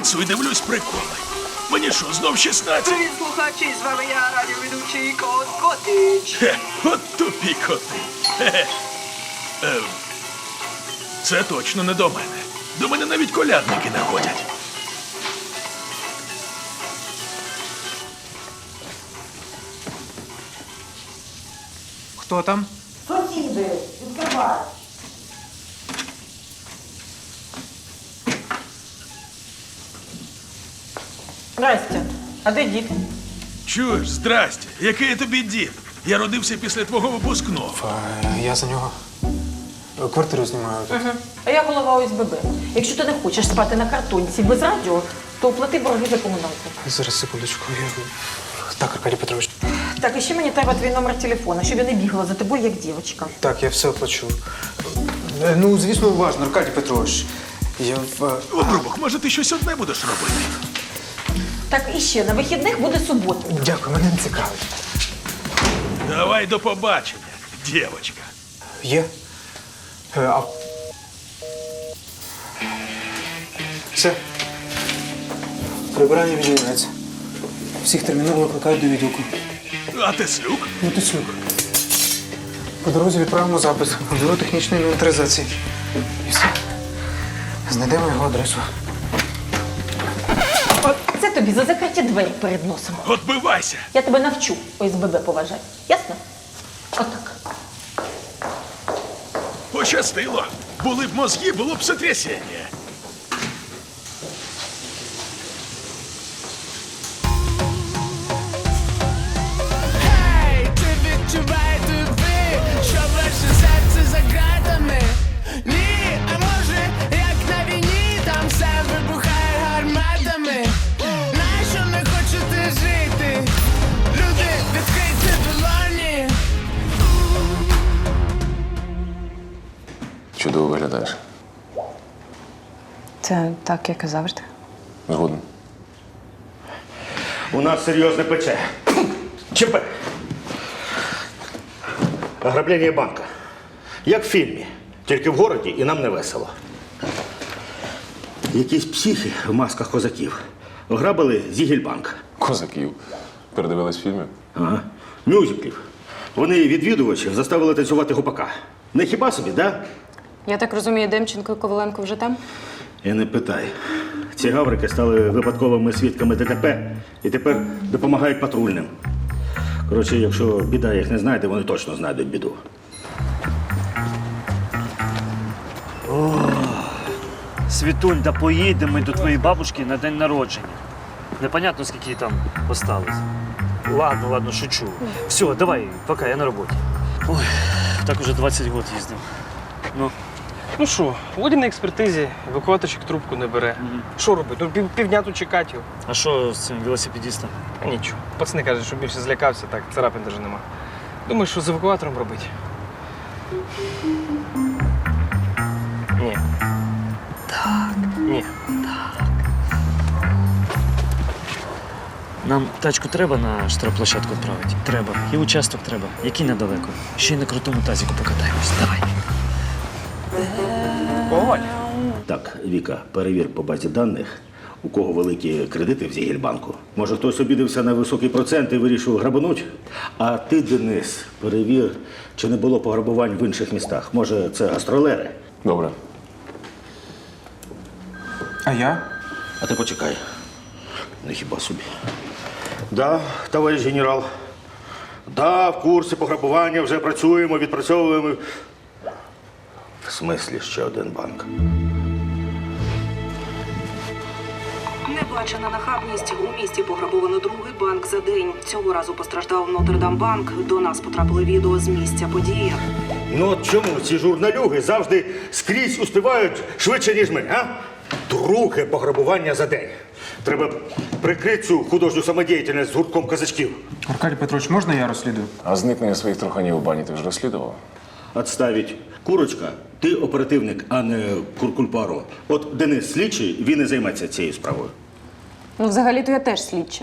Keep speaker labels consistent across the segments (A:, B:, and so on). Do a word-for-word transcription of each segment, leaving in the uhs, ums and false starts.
A: піцу і дивлюсь приколи. Мені що, знов шістнадцять?
B: Привіт, слухачі, з вами я, радіоведучий Кот Котич.
A: Хе, от тупі коти. Хе-хе. Ем, це точно не до мене. До мене навіть колядники не ходять.
C: Хто там?
D: Сусіди, відкривай.
E: Здрасте. А де дід?
A: Чуєш, здрасте, який я тобі дід? Я родився після твого випускного.
C: А, я за нього квартиру знімаю.
E: Угу. А я голова О С Б Б. Якщо ти не хочеш спати на картонці без радіо, то оплати борги за комуналку.
C: Зараз, секундочку. Я... Так, Аркадій Петрович.
E: Так, і ще мені треба твій номер телефона, щоб я не бігала за тобою, як дівчинка.
C: Так, я все оплачу. Е, Ну, звісно, уважно, Аркадій Петрович. Я в...
A: Обрубок, може ти щось одне будеш робити?
E: Так, і ще, на вихідних буде субота.
C: Дякую, мене не цікавить.
A: Давай до побачення, дівчинка.
C: Є? Е, а... Все. Прибирання віджинається. Всіх терміново викликають до відділку.
A: А Теслюк?
C: Ну, ти слюк. По дорозі відправимо запит в бюро технічної інвентаризації. І все. Знайдемо його адресу.
E: От це тобі за закриті двері перед носом.
A: Отбивайся!
E: Я тебе навчу О С Б Б поважати. Ясно? Отак.
A: Пощастило. Були б мозги, було б сотрясіння.
F: Ей, ти відчувай тобі, що ваше серце за ґратами. Ні, а може, як на війні, там все вибухає гарматами. Нащо не хочете жити? Люди, відкрийте долоні.
G: Чудово виглядаєш.
H: Це так, як і завжди.
G: Згоден.
I: У нас серйозне пече. ЧП. Ограблення банка. Як в фільмі. Тільки в городі і нам не весело. Якісь психи в масках козаків ограбили Зігельбанк.
G: Козаків. Передивились фільми?
I: Ага. Мюзиклів. Вони відвідувачів заставили танцювати гопака. Не хіба собі, да?
H: Я так розумію, Демченко і Коваленко вже там?
I: І не питай. Ці гаврики стали випадковими свідками Д Т П і тепер допомагають патрульним. Коротше, якщо біда їх не знайде, вони точно знайдуть біду.
J: Світунь, да поїдемо ми до твоєї бабушки на день народження. Непонятно, скільки їй там осталось. Ладно, ладно, шучу. Все, давай, пока, я на роботі. Ой, так уже двадцять років їздив. Ну,
K: Ну що, Володя на експертизі, евакуаторчик трубку не бере. Що робити? Ну пів, півдня тут чекати його.
J: а що з цим велосипедистом?
K: А нічого. Пацани кажуть, що більше злякався, так царапин навіть нема. Думаю, що з евакуатором робити? Ні. Так. Ні.
J: Нам тачку треба на штрафплощадку відправити? Треба. І участок треба. Який недалеко. Ще й на крутому тазіку покатаємось. Давай.
K: Коваль.
I: Так, Віка, перевір по базі даних, у кого великі кредити в Зігельбанку. Може, хтось обідався на високий процент і вирішив грабануть? А ти, Денис, перевір, чи не було пограбувань в інших містах. Може, це гастролери?
G: Добре.
C: А я?
I: А ти почекай. Не хіба собі. Да, товариш генерал. Да, в курсі пограбування вже працюємо, відпрацьовуємо. В смислі ще один банк.
L: Небачена нахабність. У місті пограбовано другий банк за день. Цього разу постраждав Нотр-Дам-банк. До нас потрапили відео з місця події.
I: Ну от чому ці журналюги завжди скрізь успівають швидше, ніж ми, а? Друге пограбування за день. Треба прикрити цю художню самодіяльність з гуртком казачків.
C: Аркадій Петрович, можна я розслідую?
G: А зникнення своїх труханів у бані ти вже розслідував?
I: Отставить. Курочка, ти оперативник, а не Куркульпаро. От Денис слідчий, він і займеться цією справою.
H: Ну, взагалі-то я теж слідча.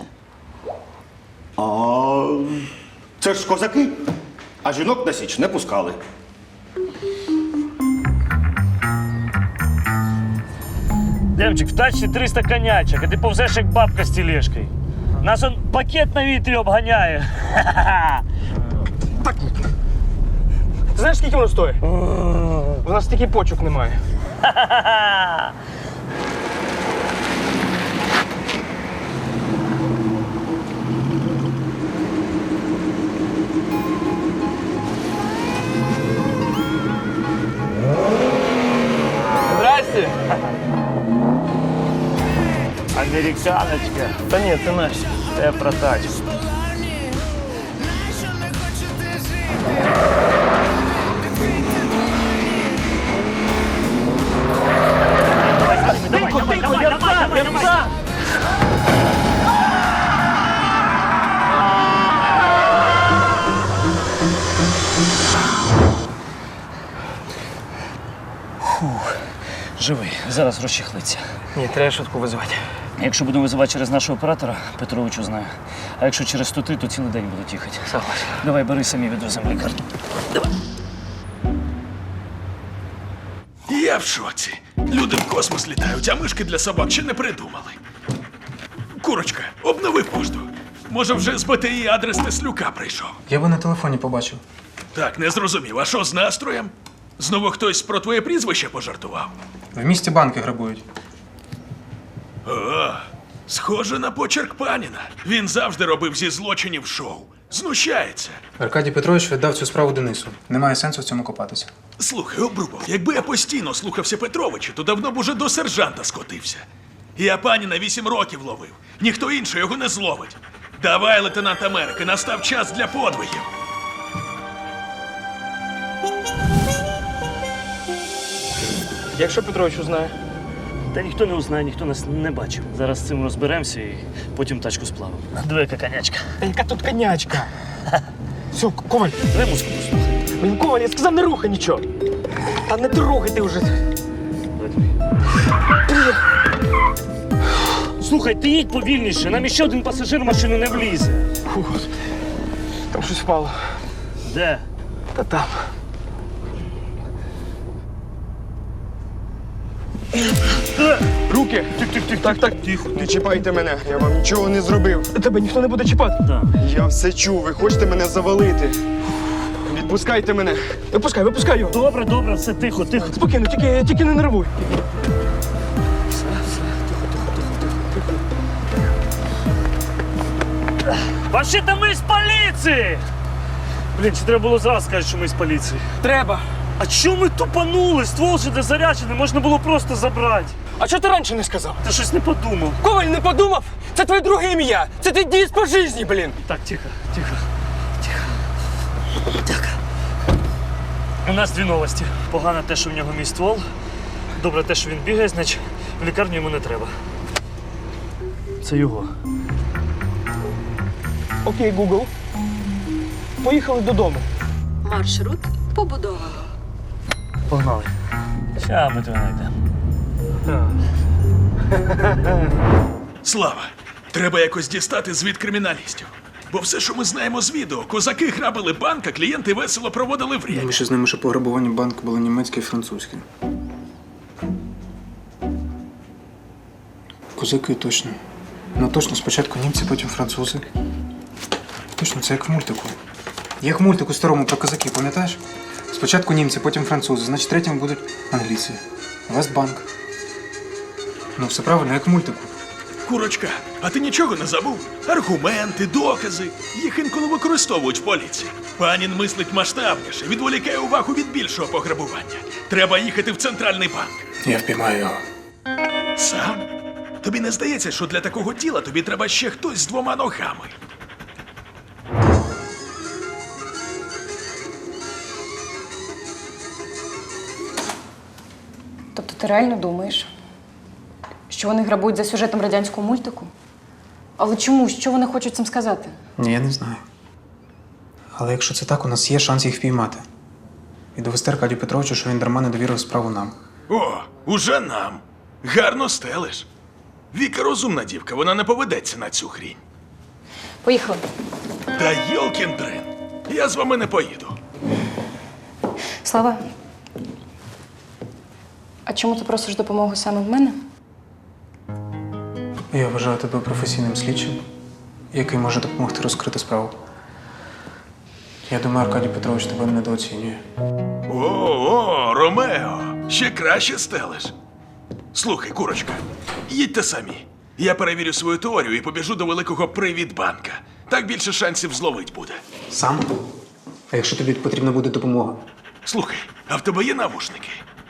I: А це ж козаки, а жінок на січ не пускали.
J: Демчик, в тачці триста конячок, а ти повзеш як бабка з тележкою. Нас он пакет на вітрі обганяє.
K: Так. Знаєш, скільки воно стоїть? У нас стільки почок немає. Здрасте.
J: Американочка.
K: Та ні, це наш.
J: Це про тачку.
K: Тихо, тихо, я сам, я сам.
J: Живий, зараз розчехлиться.
K: Ні, треба швидку визивати.
J: Якщо будемо визивати через нашого оператора, Петровичу знаю. А якщо через тути, то цілий день будуть їхати.
K: Согласен.
J: Давай, бери, самі відвеземо в лікарню.
A: Я в шоці. Люди в космос літають, а мишки для собак ще не придумали. Курочка, обнови пошту. Може, вже з БТІ адрес Теслюка прийшов.
C: Я би на телефоні побачив.
A: Так, не зрозумів. А що з настроєм? Знову хтось про твоє прізвище пожартував?
C: В місті банки грабують.
A: О, схоже на почерк паніна. Він завжди робив зі злочинів шоу. Знущається.
C: Аркадій Петрович віддав цю справу Денису. Немає сенсу в цьому копатися.
A: Слухай, Обрубов, якби я постійно слухався Петровича, то давно б уже до сержанта скотився. Я паніна вісім років ловив. Ніхто інший його не зловить. Давай, лейтенант Америки, настав час для подвигів.
K: Якщо Петрович узнає.
J: Та ніхто не узнає, ніхто нас не бачив. Зараз з цим розберемося і потім тачку сплавимо. Диви, яка конячка.
K: Та яка тут конячка? Все, Коваль.
J: Давай музику послухай.
K: Блін, Коваль, я сказав, не рухай нічого. Та не трогай ти вже.
J: Слухай, ти їдь повільніше, нам іще один пасажир в машину не влізе.
K: Фу, там щось впало.
J: Де?
K: Та там. Руки! Тих-тих-тих. Так, так, тихо.
M: Не чіпайте мене, я вам нічого не зробив.
K: Тебе ніхто не буде чіпати.
J: Так.
M: Я все чув, ви хочете мене завалити. Відпускайте мене.
K: Випускай, випускай його.
J: Добре, добре, все тихо, тихо.
K: Спокійно, тільки, тільки не нервуй.
J: Вообще-то ми з поліції! Блін, чи треба було зразу сказати, що ми з поліції?
K: Треба.
J: А чому ми тупанули? Ствол же де заряджений, можна було просто забрати.
K: А чого ти раніше не сказав?
J: Ти щось не подумав.
K: Коваль, не подумав? Це твоє друге ім'я. Це ти дієш по житті, блін.
J: Так, тихо, тихо, тихо. Так. У нас дві новості. Погано те, що в нього мій ствол. Добре те, що він бігає, значить в лікарню йому не треба. Це його.
K: Окей, Google. Поїхали додому.
L: Маршрут побудовано.
J: Погнали. Ща ми тебе знайдемо.
A: Слава, треба якось дістати звіт криміналістів. Бо все, що ми знаємо з відео, козаки грабили банк, а клієнти весело проводили время.
C: Ми з ними, що пограбування банку було німецьке і французьке. Козаки точно. Ну точно, спочатку німці, потім французи. Точно, це як в мультику. Як в мультику старому про козаків, пам'ятаєш? Спочатку німці, потім французи, значить третім будуть англійці. Вестбанк. Ну, все правильно, як в мультику.
A: Курочка, а ти нічого не забув? Аргументи, докази. Їх інколи використовують в поліції. Панін мислить масштабніше, відволікає увагу від більшого пограбування. Треба їхати в центральний банк.
C: Я впіймаю його.
A: Сам? Тобі не здається, що для такого діла тобі треба ще хтось з двома ногами?
H: Тобто ти реально думаєш, що вони грабують за сюжетом радянського мультику? Але чому? Що вони хочуть цим сказати?
C: Ні, я не знаю. Але якщо це так, у нас є шанс їх впіймати. І довести Аркадію Петровичу, що він дарма не довірив справу нам.
A: О, уже нам. Гарно стелиш. Віка розумна дівка, вона не поведеться на цю хрінь.
H: Поїхали.
A: Та йолкін дрин. Я з вами не поїду.
H: Слава, а чому ти просиш допомогу саме в мене?
C: Я вважаю тебе професійним слідчим, який може допомогти розкрити справу. Я думаю, Аркадій Петрович тебе недооцінює.
A: О, о, Ромео, ще краще стелиш. Слухай, курочка, їдьте самі. Я перевірю свою теорію і побіжу до великого привітбанка. Так більше шансів зловить буде.
C: Сам? А якщо тобі потрібна буде допомога?
A: Слухай, а в тебе є навушники?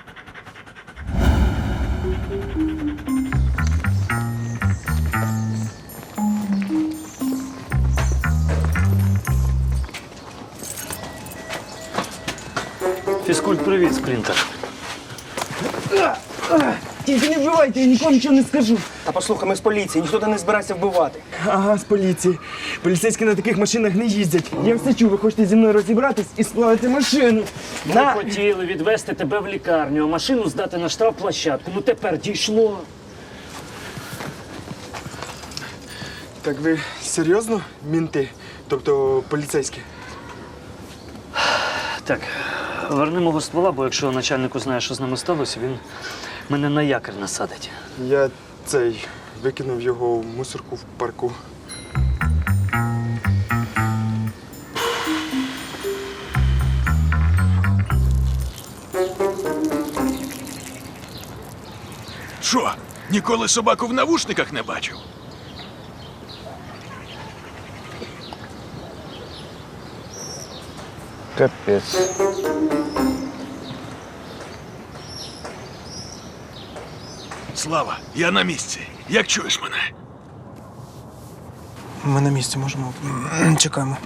J: Фізкульт, привіт, спринтер.
K: Тільки не вбивайте, я нікому нічого не скажу. Та послухай, ми з поліції, ніхто тебе не збирається вбивати. Ага, з поліції. Поліцейські на таких машинах не їздять. Я все чув, ви хочете зі мною розібратись і сплавити машину.
J: Ми хотіли відвезти тебе в лікарню, а машину здати на штрафплощадку. Ну тепер дійшло.
M: Так ви серйозно, мінти? Тобто поліцейські?
J: Так, верни мого ствола, бо якщо начальник узнає, що з нами сталося, він мене на якір насадить.
M: Я цей викинув його в мусорку в парку.
A: Що, ніколи собаку в навушниках не бачив?
C: Капець.
A: Слава, я на місці. Як чуєш мене?
C: Ми на місці можемо. Чекаємо.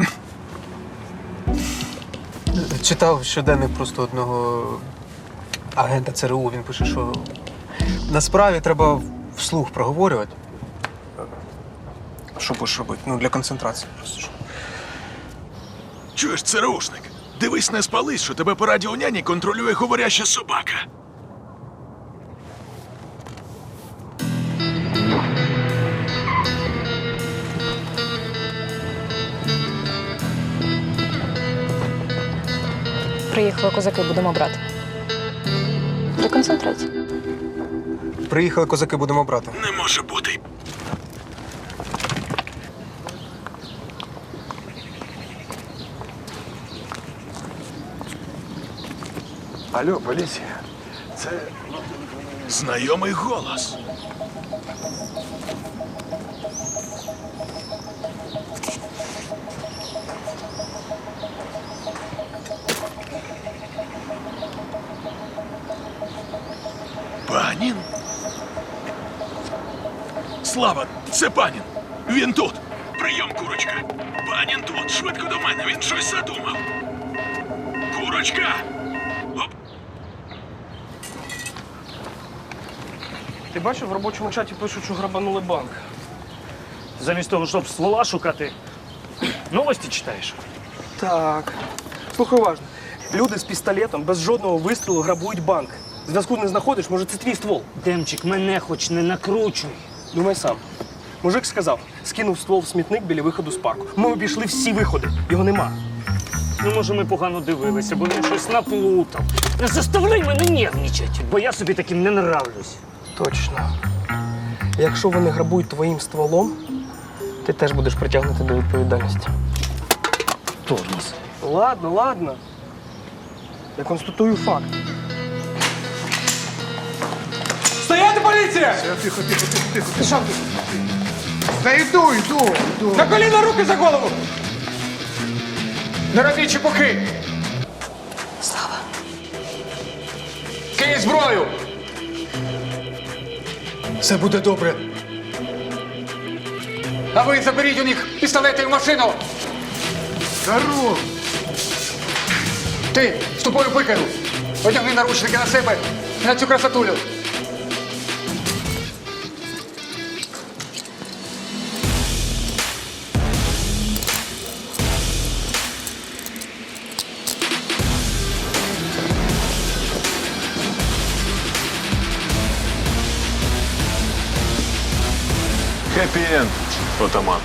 C: Читав щоденник просто одного агента ЦРУ. Він пише, що на справі треба вслух проговорювати. Що будеш робити? Ну, для концентрації просто.
A: Чуєш, ЦРУшник? Дивись, не спались, що тебе по радіоняні контролює говоряща собака.
H: Приїхали козаки, будемо брати. Для концентрації.
C: Приїхали козаки, будемо брати.
A: Не може бути.
M: Алло, поліція. Це
A: Знайомий голос. Панін? Слава, це панін. Він тут. Прийом, курочка. Панін тут. Швидко до мене. Він щось задумав. Курочка! Оп.
K: Ти бачив, в робочому чаті пишуть, що грабанули банк.
J: Замість того, щоб ствола шукати, новості читаєш.
K: Так. Слухай уважно. Люди з пістолетом без жодного вистрілу грабують банк. Зв'язку не знаходиш, може це твій ствол.
J: Демчик, мене хоч не накручуй.
K: Думай сам. Мужик сказав, скинув ствол в смітник біля виходу з парку. Ми обійшли всі виходи, його нема.
J: Ну, може, ми погано дивилися, бо він щось наплутав. Не заставляй мене нервничати, бо я собі таким не нравлюсь.
K: Точно. Якщо вони грабують твоїм стволом, ти теж будеш притягнути до відповідальності.
J: Тормоз.
K: Ладно, ладно. Я констатую факт.
C: Стояти, поліція!
M: тихо, тихо, тихо, тихо.
C: Ти що?
M: Та йду, йду, йду.
C: На коліна, руки за голову! Не робіть чепухи!
H: Слава.
C: Кинь зброю! Все буде добре. А ви заберіть у них пістолети і машину!
M: Здоров!
C: Ти з тобою викину! Одягни наручники на себе і на цю красотулю!
G: Хеппі-енд, отаман.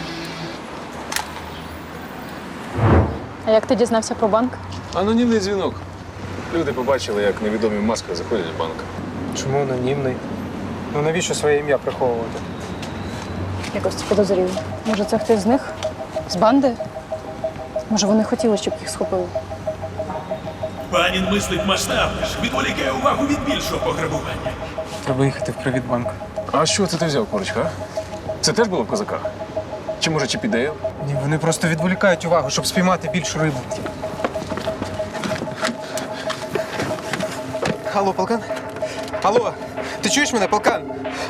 H: А як ти дізнався про банк?
G: Анонімний дзвінок. Люди побачили, як невідомі в масках заходять в банк.
C: Чому анонімний? Ну навіщо своє ім'я приховувати?
H: Якось підозріло. Може, це хтось з них? З банди? Може, вони хотіли, щоб їх схопили?
A: Панін мислить масштабніше, відволікає увагу від більшого пограбування.
C: Треба їхати в Привітбанк.
G: А що це ти взяв, Корочка? а? Це теж було в козаках? Чи може Чіпідейл?
C: Ні, вони просто відволікають увагу, щоб спіймати більшу рибу. Алло, полкан? Алло, ти чуєш мене, полкан?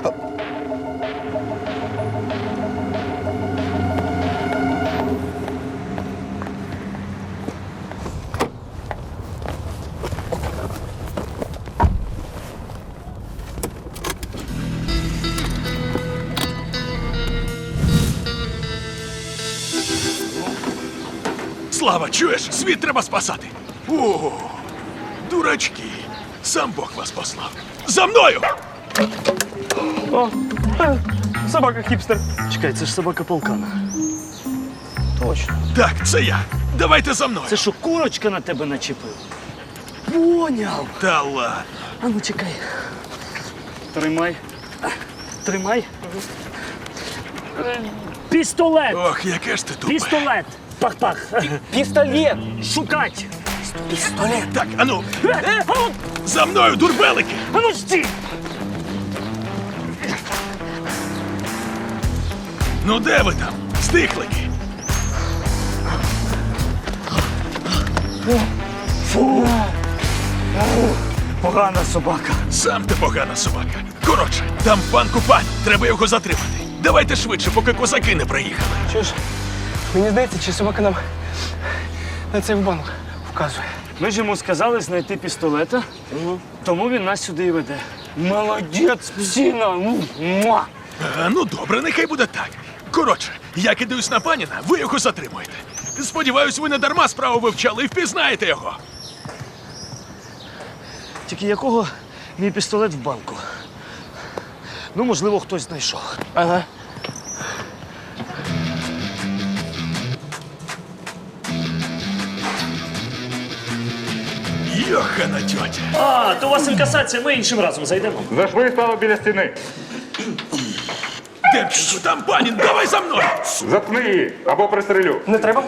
A: Слава, чуєш? Світ треба спасати. О, дурачки. Сам Бог вас послав. За мною!
K: О, е, собака хіпстер.
J: Чекай, це ж собака полкана.
K: Точно.
A: Так, це я. Давайте за мною.
J: Це що, курочка на тебе начепив? Поняв.
A: Та ладно.
J: А ну чекай. Тримай. Тримай. Е, Пістолет.
A: Ох, яке ж ти тупе.
J: Пістолет. Пах-пах.
K: Пістолет.
J: Шукать.
K: Пістолет.
A: Так, ану,
J: Е, а ну,
A: за мною, дурбелики!
J: а ну стій.
A: Ну де ви там, стихлики?
J: Погана собака.
A: Сам ти погана собака. Коротше, там пан Купань, треба його затримати. Давайте швидше, поки козаки не приїхали.
K: Що ж, мені здається, чи собака нам на цей банк вказує.
J: Ми ж йому сказали знайти пістолета, тому він нас сюди і веде. Молодець, псина! Ну, муа!
A: А, ну добре, нехай буде так. Коротше, я кидаюсь на паніна, ви його затримуєте. Сподіваюсь, ви не дарма справу вивчали і впізнаєте його.
J: Тільки якого мій пістолет в банку? Ну, можливо, хтось знайшов.
K: Ага.
A: Йохана тьотя.
J: А, то у вас інкасація, ми іншим разом зайдемо.
G: Зашли стало біля стіни.
A: Демченко, там панін, давай за мною!
G: Заткни її або пристрелю.
K: Не треба?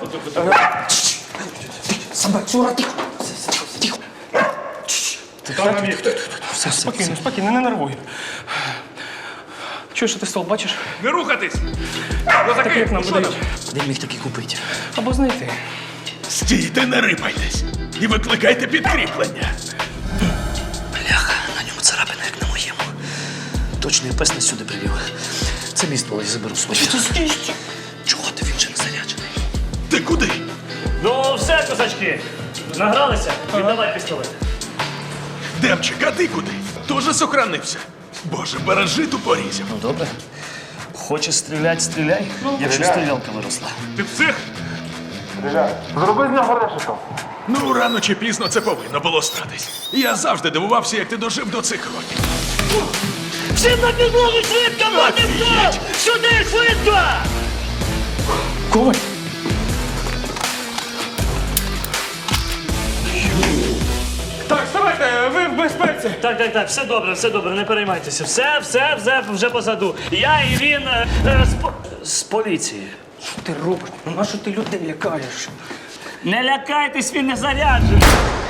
K: Собацюра, тихо. Тихо.
G: Став на місце.
K: Все, спокійно, спокійно, не нервуй. Чуєш, що ти стол бачиш?
A: Не рухатись!
K: Такий, як нам видають.
J: Де міг такий купити?
K: Або знайти.
A: Стійте, не рипайтесь! І викликайте підкріплення!
J: Бляха, на ньому царапина, як на моєму. Точно і пес нас сюди привів. Це мій ствол, я заберу свій. Чого ти, він же не заряджений?
A: Ти куди?
J: Ну, все, козачки, награлися? Віддавай пістолет.
A: Демчик, а ти куди? Тоже сохранився. Боже, бережи ту порізів.
J: Ну, добре. Хочеш стріляти, стріляй, якщо стрілялка виросла.
A: Ти псих?
G: Зроби з нього решето.
A: Ну, рано чи пізно це повинно було статись. Я завжди дивувався, як ти дожив до цих років.
J: Всім на підлогу швидко,
A: Офігеть!
J: Сюди, швидко!
K: Коваль? Так, вставайте, ви в безпеці.
J: Так, так, так, все добре, все добре, не переймайтеся. Все, все, все вже позаду. Я і він е, е, з, по- з поліції.
K: Що ти робиш? Ну, на що ти людей лякаєш?
J: Не лякайтесь, він не заряджений.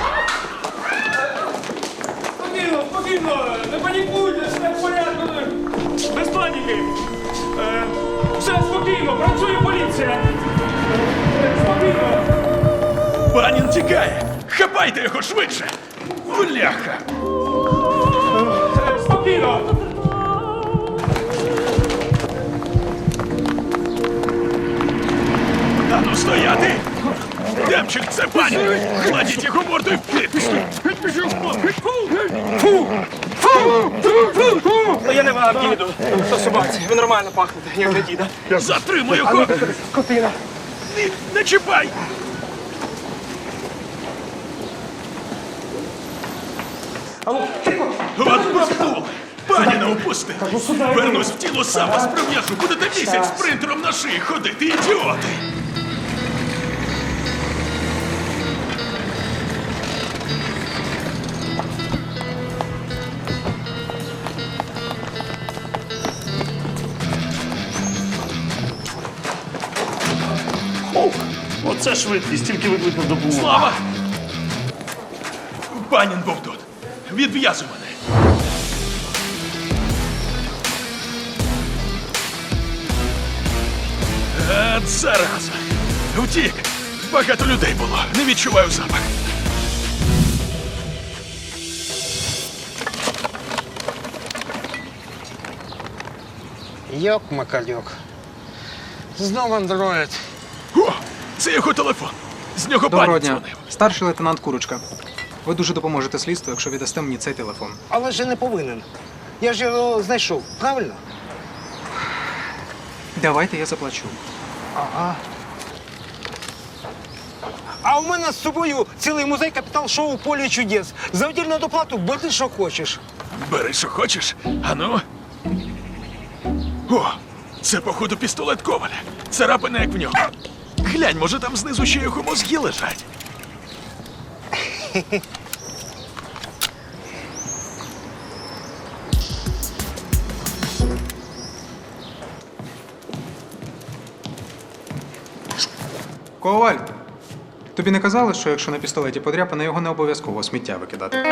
K: Спокійно, спокійно, не панікуйте, все в порядку. Без паніки. Е, все спокійно, працює поліція. Е, Спокійно.
A: Панін тікає! Хапайте його швидше! Бляха!
K: Е, Спокійно.
A: А ну стояти! Демчик, це панін! Кладіть його мордою в кит!
K: Ну, я не вам діду. То собаці, ви нормально пахнете, як для діда.
A: Затримуй його!
K: Скотина.
A: Не, не чіпай!
K: Алло, тихо.
A: От бахнули! Паніна упусти! Вернусь в тіло, сам вас прив'яжу! Будете місяць спринтером на шиї ходити, ідіоти!
J: швидкість, тільки викликав допомогу.
A: Слава! Панін був тут. Відв'язуй мене. От зараза. Втік. Багато людей було. Не відчуваю запах.
K: Йок-макальок. Знову андроїд.
A: О, це його телефон. З нього
C: Доброго
A: пані
C: дня.
A: дзвонив.
C: Старший лейтенант Курочка. Ви дуже допоможете слідству, якщо віддасте мені цей телефон.
K: Але ж я не повинен. Я ж його знайшов, правильно?
C: Давайте я заплачу.
K: Ага. А у мене з собою цілий музей капітал-шоу «Поле чудес». За отдільну доплату бери, що хочеш.
A: Бери, що хочеш. Ану. О, це, походу, пістолет Коваля. Царапина, як в нього. Глянь, може, там знизу ще його мозги лежать.
C: Коваль, тобі не казали, що якщо на пістолеті подряпане, його не обов'язково у сміття викидати?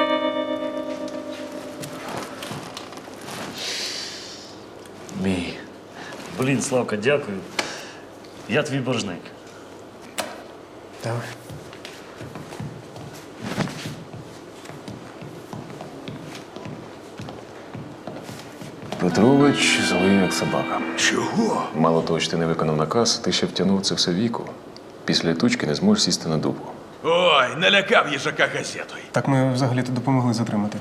J: Мій. Блін, Славка, дякую. Я твій боржник.
C: Давай.
G: Петрович злий як собака.
A: Чого?
G: Мало того, що ти не виконав наказ, ти ще втягнув це все віку. Після тучки не зможеш сісти на дупу.
A: Ой, налякав їжака газетою.
C: Так ми взагалі-то допомогли затримати.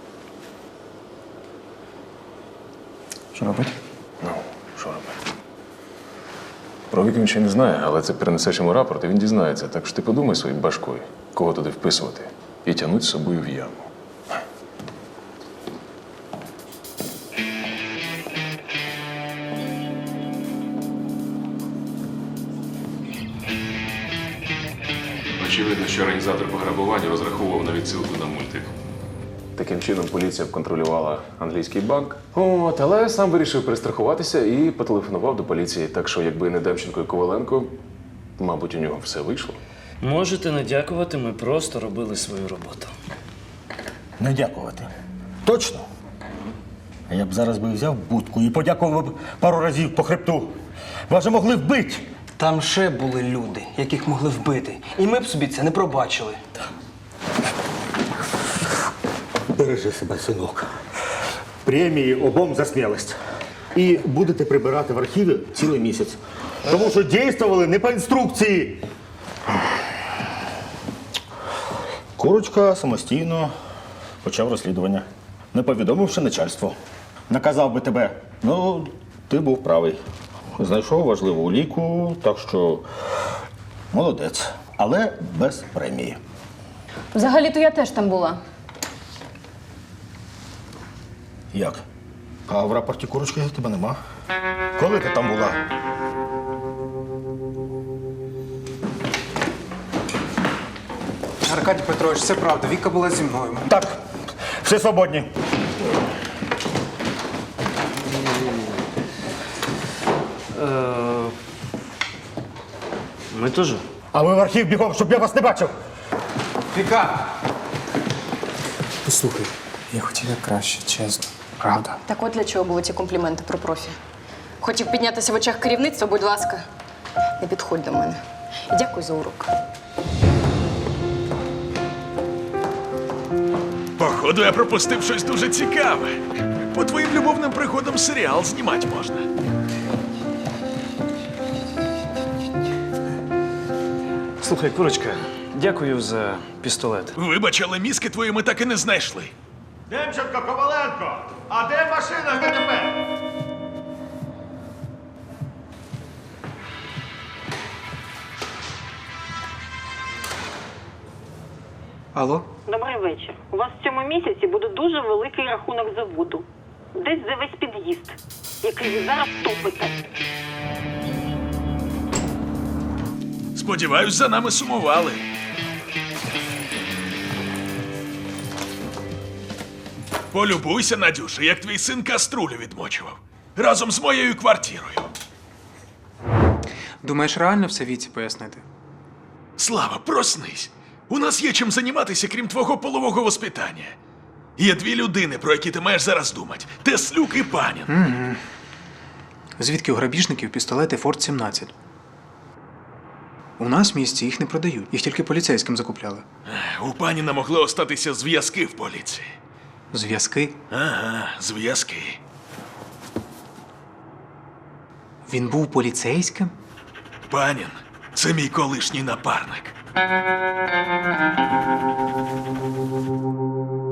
C: Що робить?
G: Ну, що робити? Про вік він ще не знає, але це перенесеш йому рапорт, і він дізнається. Так що ти подумай своєю башкою, кого туди вписувати, і тягнуть з собою в яму.
N: Очевидно, що організатор пограбування розраховував на відсилку на мультик.
G: Таким чином поліція б контролювала англійський банк. От, але сам вирішив перестрахуватися і потелефонував до поліції. Так що, якби не Демченко і Коваленко, мабуть, у нього все вийшло.
J: Можете не дякувати, ми просто робили свою роботу.
I: Не дякувати. Точно? А я б зараз би взяв будку і подякував б пару разів по хребту. Вас же могли вбити.
K: Там ще були люди, яких могли вбити. І ми б собі це не пробачили.
I: Бережи себе, синок. Премії обом за смілость. І будете прибирати в архіві цілий місяць. Тому що дійствували не по інструкції. Курочка самостійно почав розслідування, не повідомивши начальству. Наказав би тебе. Ну, ти був правий. Знайшов важливу уліку, так що молодець. Але без премії.
H: Взагалі-то я теж там була.
I: Як? А в рапорті Курочки тебе нема. Коли ти там була?
C: Аркадій Петрович, це правда. Віка була зі мною.
I: Так, всі свободні.
J: Е, Ми теж.
I: А ви в архів бігом, щоб я вас не бачив.
C: Віка! Послухай, я хотів як краще, чесно. Правда.
H: Так от для чого були ті компліменти про профі. Хотів піднятися в очах керівництва, будь ласка, не підходь до мене. І дякую за урок.
A: Походу, я пропустив щось дуже цікаве. По твоїм любовним приходам серіал знімати можна.
J: Слухай, Курочка, дякую за пістолет.
A: Вибач, але мізки твої ми так і не знайшли.
I: Демченко, Коваленко! А де машина з ДТП?
C: Алло?
O: Добрий вечір. У вас в цьому місяці буде дуже великий рахунок за воду. Десь за весь під'їзд, який ви зараз топите.
A: Сподіваюсь, за нами сумували. Полюбуйся, Надюша, як твій син каструлю відмочував. Разом з моєю квартирою.
C: Думаєш, реально все Віці пояснити?
A: Слава, проснись. У нас є чим займатися, крім твого полового воспитання. Є дві людини, про які ти маєш зараз думати. Теслюк і Панін.
C: Угу. Звідки у грабіжників пістолети Форт сімнадцять? У нас в місті їх не продають. Їх тільки поліцейським закупляли.
A: У Паніна могли остатися зв'язки в поліції.
C: Зв'язки?
A: Ага, зв'язки.
C: Він був поліцейським?
A: Панін – це мій колишній напарник.